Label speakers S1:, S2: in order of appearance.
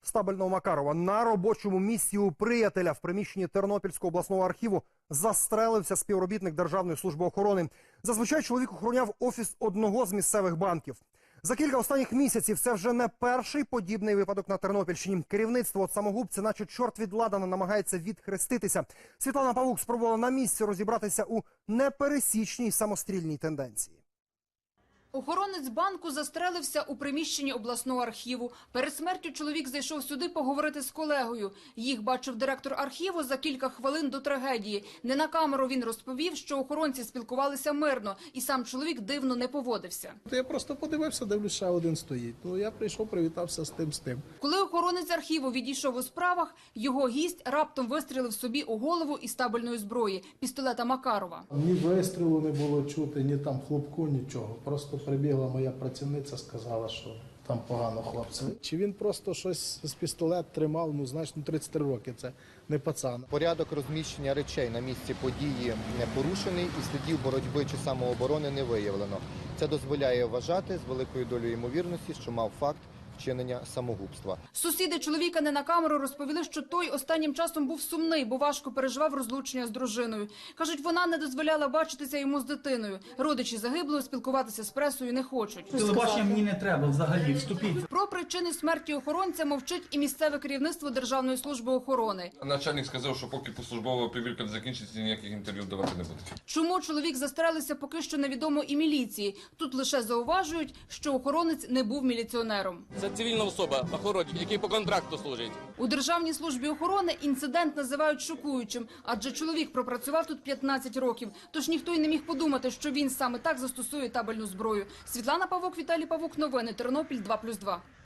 S1: Стабельного Макарова на робочому місці у приятеля в приміщенні Тернопільського обласного архіву застрелився співробітник Державної служби охорони. Зазвичай чоловік охороняв офіс одного з місцевих банків. За кілька останніх місяців це вже не перший подібний випадок на Тернопільщині. Керівництво от самогубця, наче чорт від ладана, намагається відхреститися. Світлана Павук спробувала на місці розібратися у непересічній самострільній тенденції.
S2: Охоронець банку застрелився у приміщенні обласного архіву. Перед смертю чоловік зайшов сюди поговорити з колегою. Їх бачив директор архіву за кілька хвилин до трагедії. Не на камеру він розповів, що охоронці спілкувалися мирно, і сам чоловік дивно не поводився.
S3: Я просто подивився, дивлюсь, ще один стоїть. Ну, я прийшов, привітався з тим.
S2: Коли охоронець архіву відійшов у справах, його гість раптом вистрілив собі у голову із табельної зброї – пістолета Макарова.
S3: Ні вистрілу не було чути, ні там хлопку, нічого. Просто прибігла моя працівниця, сказала, що там погано хлопці. Чи він просто щось з пістолет тримав, ну, знаєш, 33 роки, це не пацан.
S4: Порядок розміщення речей на місці події не порушений і слідів боротьби чи самооборони не виявлено. Це дозволяє вважати з великою долею ймовірності, що мав факт вчинення самогубства.
S2: Сусіди чоловіка не на камеру розповіли, що той останнім часом був сумний, бо важко переживав розлучення з дружиною. Кажуть, вона не дозволяла бачитися йому з дитиною. Родичі загиблого спілкуватися з пресою не хочуть.
S5: Телебачення мені не треба взагалі, вступіть.
S2: Про причини смерті охоронця мовчить і місцеве керівництво Державної служби охорони.
S6: Начальник сказав, що поки службова перевірка не закінчиться, ніяких інтерв'ю давати не буде.
S2: Чому чоловік застрелився, поки що невідомо і міліції. Тут лише зауважують, що охоронець не був міліціонером.
S7: Це цивільна особа, охоронник, який по контракту служить.
S2: У Державній службі охорони інцидент називають шокуючим, адже чоловік пропрацював тут 15 років. Тож ніхто й не міг подумати, що він саме так застосує табельну зброю. Світлана Павук, Віталій Павук. Новини. Тернопіль 2+2.